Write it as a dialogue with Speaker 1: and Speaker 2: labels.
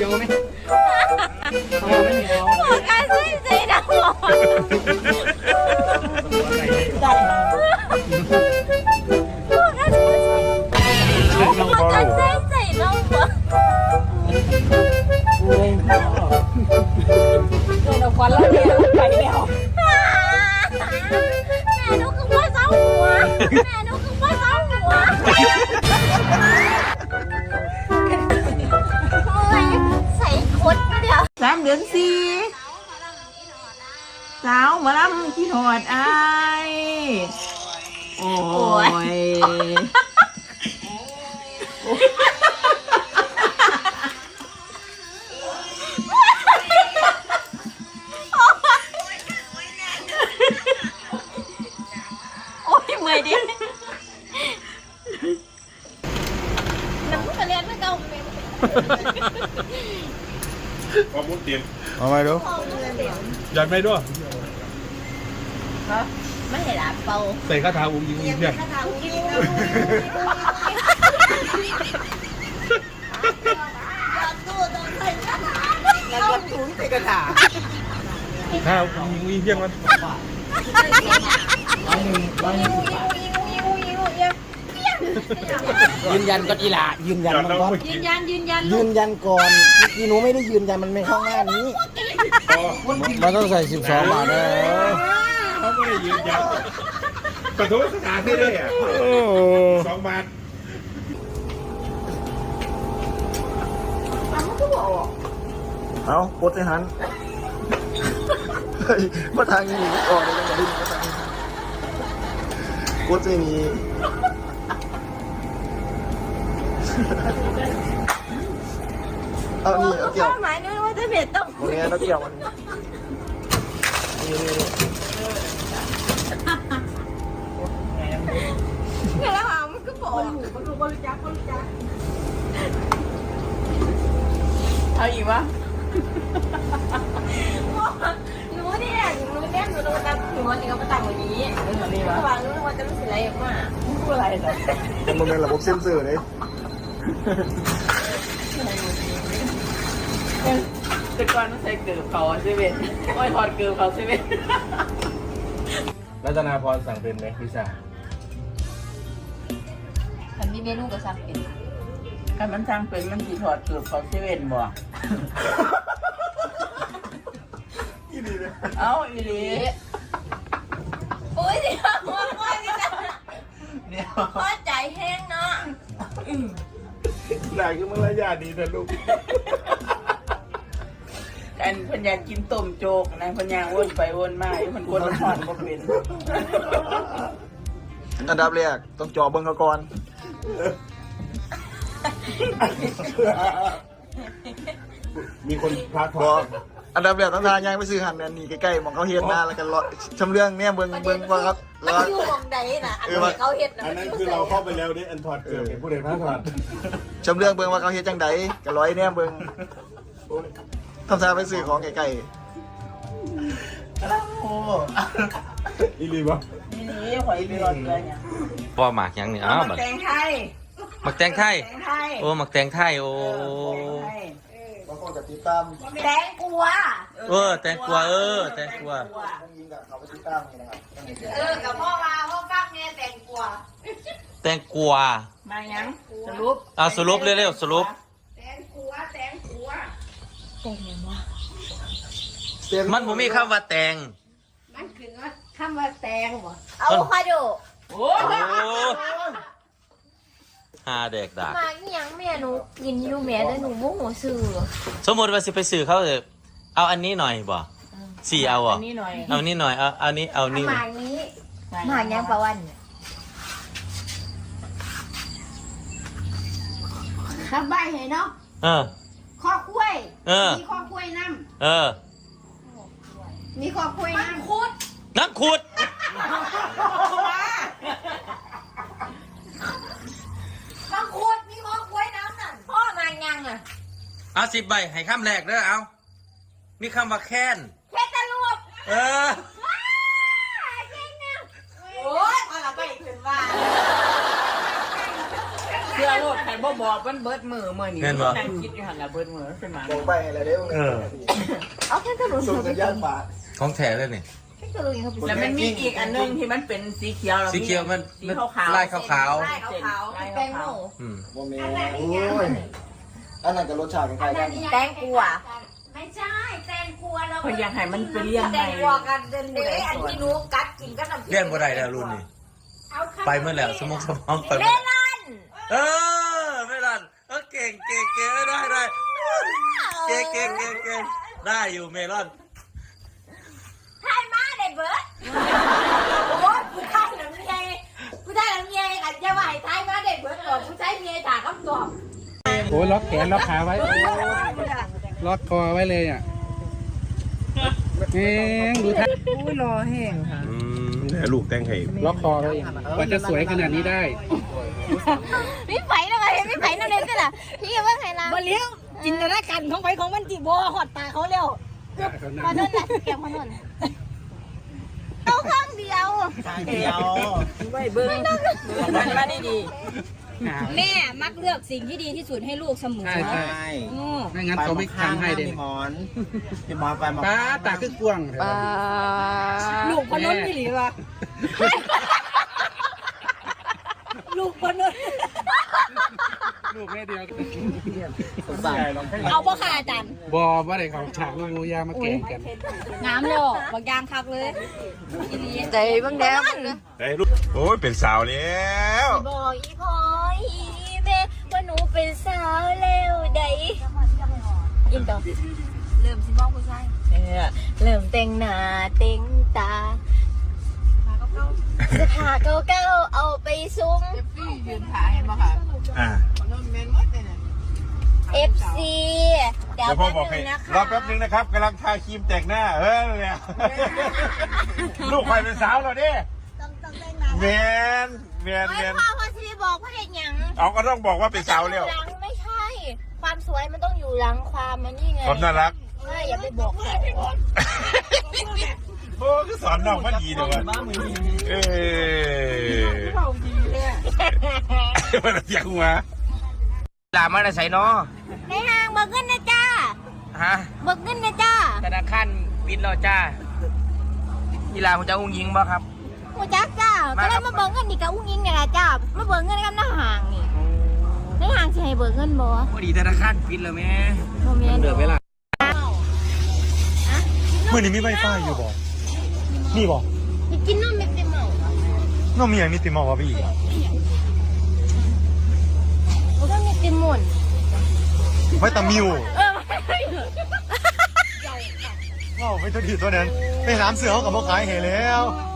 Speaker 1: ยังไม่
Speaker 2: โอ้การซื้อใจนะหมอได้โอ้การซื้อใจน้องหมอ
Speaker 3: เดินออกควันแล้วเนี่ยไปแล้ว
Speaker 2: แม่นุ๊กคือว่าเศร้าหัวแม่นุ๊กคือว่าเศร้าหัวใส่คดเดียว
Speaker 3: 3 เดือน 4สาวมาลำที่หอดอายโอ้ย
Speaker 2: โอ้ยเมื่อยดิน้ำมันกระเรียนไม่เก่าเลย
Speaker 4: ความมุดเตียน
Speaker 1: เอาไปดูอยากไปด้วย
Speaker 2: ไม่เห็นอ่ะเป่า
Speaker 1: ใส่คาถาอุ้งยิงเพียง
Speaker 3: แล้วก็ถุงใส่กระถา
Speaker 1: ถ้าอุ้งยิงเพียงมัน
Speaker 5: ยืนยันก่อนอีหล่ายืนยันมันก่อน
Speaker 2: ยืนยัน
Speaker 5: ยืนยันก่อนเมื่อกี้หนูไม่ได้ยืนยันมันไม่เข้าหน้านี้
Speaker 1: มันต้องใส่12 บาทนะ
Speaker 4: เขาไม่ได้ยืนยันกระทู้สถานที่ได้อ่ะ2 บาท
Speaker 5: เอากดไอ้หันมาทางนี้ออกเลยกันดิ้นมาทางนี้กดไอ้นี้เอานี่เอาเกี่ยว
Speaker 2: หมายนึกว่าจะเผ็ดต้อง
Speaker 5: ตรงนี้เอาเกี่ยวมันนี่
Speaker 2: เนี่ยแล้วอ่ะมันก็บอก
Speaker 3: เอาอีกวะ
Speaker 2: หนูเนี่ยหนูนับหนูนี่ก็มาตั้งวันนี้ระหว่างนู้นว่าจะรู้สึกอะไรมาก
Speaker 3: พูดอะไรเหรอ
Speaker 5: มันเป็นระบบเซ็นเซอร์เลย
Speaker 3: แต่ก่อนต้องใส่เกลือเขาเซเว่นโอ้ยถอดเกลือเขาเซเว่น
Speaker 1: รัตนาพรสั่งเป็นไหมพิซซ่า
Speaker 2: ฉันมีเมนูกับซักเป็น
Speaker 3: ถ้ามันสร้างเป็นมันสีถอดเกลือเขาเซเว่นบ่เอาอีหลี
Speaker 2: โอ้ยเดี๋ยวโอ้ยนี่นะ
Speaker 3: เดี๋ยว
Speaker 2: พอใจแห้งเนาะ
Speaker 4: หลายคือมารยาทดีนะลูก
Speaker 3: อันพันยากินต้มโจกนะพันยาวนไปวนมาอยู่มันกดหอนบ่เป็น
Speaker 5: อันดับแรกต้องจ่อเบิ้งเขาก่อน
Speaker 4: มีคนพาท
Speaker 5: บ
Speaker 4: อ
Speaker 5: อง กอันดับแรกต้องทานย่างไปซื้อหันเนี่ยนี่ใกล้ๆมองเขาเฮ็ดหน้าแล้วกันรอชำเรื่องเนี่ยเบิ้งว่าครับ
Speaker 2: มันอยู่ตรงใดน่ะอันนี้เขาเห็ดนะ
Speaker 4: อันนั้นคือเราเข้าไปแล้วเนี่ยอันถอดเกือบเป็นผู้ใดพาถอด
Speaker 5: ชำเรื่องเบิ้งว่าเขาเฮ็ดจังใดก็ร้อยเนี่ยเบิ้งทำท่าไปซื้อของไกล
Speaker 3: โอ้
Speaker 4: อีรีบะ
Speaker 3: นี่หอยไปรอดเลยเนี่ย
Speaker 6: พ่อหมักยังนี่อ้าว
Speaker 3: แตงไทย
Speaker 6: หมักแตงไทย
Speaker 3: แตงไทย
Speaker 6: โอ้หมักแตงไทยโอ้
Speaker 5: ๆบางคนก็ติดตาม
Speaker 2: แตงกลัว
Speaker 6: แตงกวาแตงกวา
Speaker 5: ต้องยิงกับเขาไปติดตามนี่นะครับ
Speaker 2: กับพ่อมาพ่อฟักเนี่ยแตงกลัว
Speaker 6: แตงกวา
Speaker 3: มายังสรุป
Speaker 6: สรุปเร็วๆสรุป
Speaker 2: แตงกลัวแตงกลัว
Speaker 6: มันบ่มีคำว่าแตง
Speaker 2: มันคือว่าคำว่าแตงบ่เอาคาโด
Speaker 3: โอ้
Speaker 6: โอ้หาเด็กดัก
Speaker 2: มาอีหยังแม่หนูกินอยู่แม่แต่หนูโมโหซื่อ
Speaker 6: สมมติว่าสิไปซื้อเขาจะเอาอันนี้หน่อยบ่สี่เอา
Speaker 3: อั
Speaker 6: อ่ะ
Speaker 3: นนี้หน่อย
Speaker 6: เอานี่หน่อยเอานี้เอานี่
Speaker 2: หมากนี้หมากยังประวันครับใบเห็นเนาะ
Speaker 6: เออ
Speaker 2: ข้อคุ้ยมีข้อคุ้ยน้
Speaker 6: เออ
Speaker 2: ำมีข้อคุ้ยน้ำคุด
Speaker 6: นักขุด
Speaker 2: มังคุดมีข้อคุ้ยน้ำน่ะพ่อมายังอ่ะ
Speaker 6: เอา10 ใบให้คำแรกเด้อเอามีคำว่าแค้น
Speaker 2: แค่ตะลุก
Speaker 6: เออ
Speaker 2: โอ้ยเอาละไปขึ้นว่า
Speaker 3: เสื้อโลดใครนบ่บอกมันเบิดมือนี่
Speaker 6: แม่นบ่
Speaker 3: นั่งคิดอยู่หั่นล่ะเบิดมือขึ้นมา
Speaker 5: บอกไปอะไรเด้อ
Speaker 2: เอาแค่กระดูก
Speaker 5: ส่งสัญญาณป่า
Speaker 6: ของแท้เลยนี่
Speaker 2: แค่กระดูกเขาไป
Speaker 3: แล้วมันมีอีกอันนึงที่มันเป็นสีเขียว
Speaker 6: สีเขียวมัน
Speaker 3: สีขาวๆ
Speaker 6: ลายขาว
Speaker 2: ไล่ขาวๆแตงโม
Speaker 6: ๆอืม
Speaker 5: โมเมนโอ้ยอันนั้นกับรสชาติของใครกัน
Speaker 2: แตงกัวไม่ใช่แตงกัวเรา
Speaker 3: เพิ่นอยากให้มันเป็นเลี้ยง
Speaker 2: แตงกัวกันเดินอันที่หนูกัดกินก็น้ำ
Speaker 6: เลี้ยงบ่ได้แล้วรุ่นนี้ไปเมื่อแล้วสมองไป
Speaker 2: เม
Speaker 6: เมื่อ
Speaker 2: ลอน
Speaker 6: ไม่รันเก่งได้เก่งได้อยู่เมลอน
Speaker 2: ไทยมาได้เบิร์ดโอ้ยผู้ชายหนังเมียกันจะไหวไทยมาได้เบิร์ดหรอผู้ชายเมียถามคำตอบ
Speaker 1: โอ้ล็อกแขนล็อกขาไว้ ล็อกคอไว้เลยอ่ะเอ๊ะดูท่า
Speaker 3: อุ้ยรอแห้งค่ะ
Speaker 4: ลูกแต่งให้
Speaker 1: ล็อกคอไว้กว่าจะสวยขนาดนี้ได้
Speaker 2: พี่ไผ่ทำไมพี่ไผ่นั่นเองก็ล่ะพี่ว่าไงล่ะ
Speaker 7: บ่เลี้ยวจินตนาการของไผของมันจิบ่หอดตาเขาแล้ว
Speaker 2: มาโน่นน่ะเก็บมาโน่นเอาข้างเดียว
Speaker 3: เดียวไว้เบิ่งมันมาดี
Speaker 7: แม่มักเลือกสิ่งที่ดีที่สุดให้ลูกเสมอ
Speaker 1: ใช่ใช่
Speaker 7: อือ
Speaker 1: ไม่งั้นเขาไม่ทำให้เด่น
Speaker 4: พี่หมอนไปหมอน
Speaker 1: ตาตาคือกวาง
Speaker 7: ลูกพนนที่หลีวะลูกพนน
Speaker 1: ลูกแม่เดียว
Speaker 7: เอาบ่ค่ะอาจารย์
Speaker 1: บอว่าได้ของฉากลูกยามาเก่งกัน
Speaker 7: งามแล้วบักยางคักเลย
Speaker 2: ใจบ้างแดง
Speaker 4: ได้ลูกโอ้ยเป็นสาวแล้ว
Speaker 2: บอกอีพอยอีแม่ว่าหนูเป็นสาวแล้วได้ยินต่อเริ่มสิมองผู้ชายเริ่มแต่งหน้าแต่งตาเสื้อผ้าเก่าๆเอาไปซุ้ม
Speaker 3: ๆยืนถ่ายให้บ่ค่ะ
Speaker 4: อ่า
Speaker 2: FC เดี๋ยว
Speaker 4: เดี๋ยวพ่อ
Speaker 2: แป๊บ
Speaker 4: บอก
Speaker 2: นึ
Speaker 4: ให้
Speaker 2: งนะคะ
Speaker 4: รอแป๊บนึงนะครับกำลังทาครีมแต่งหน้าเนี่ยลูกใครเป็นสาวเหรอเนี่ยแมน
Speaker 2: ไม่พ่อพ่อซีบอกพ่อเห็นยัง
Speaker 4: เอาก็ต้องบอกว่าเป็นสาวแล้ว
Speaker 2: หลังไม่ใช่ ความสวยมันต้องอยู่หลังความมันนี่ไง
Speaker 4: ความน่ารัก
Speaker 2: ใช่อย่าไปบอกใคร
Speaker 4: โอ้คือสอนน้องมาดีเลยวะเออมันเสียงหัว
Speaker 8: ลามาได้ใส่เนาะ
Speaker 2: ในห้างเบิกเงินนะจ้า
Speaker 8: ฮะ
Speaker 2: เบิกเงินนะจ้า
Speaker 8: ธนาคารปิดแล้วจ้ากีฬาผมจะอุ้งยิงบ่ครับ
Speaker 2: โอ้จักจ้าก็เลยมาเบิกเงินนี่กับอุ้งยิงเนี่ยแหละจ้ามาเบิกเงินกับหน้าห้างนี่ในห้างสิให้เบิกเงินบ่
Speaker 8: พอดีธนาคารปิดแล้วแม่
Speaker 2: บ่แม่น
Speaker 1: เดือดเวลา
Speaker 9: เมื่อนี้มีไวไฟอยู่บ่มีบ่
Speaker 2: ไปกินนมเม็ดเต็มเหมา
Speaker 9: น้องมีอย่างนี้ติมาวะพี่
Speaker 2: แล้วก็มีเต็มหมด
Speaker 9: ไวตามิวว้าวไม่ตัวดีตัวนั้นไปหามเสือเขากับมาขายเห็นแล้ว
Speaker 2: โอ้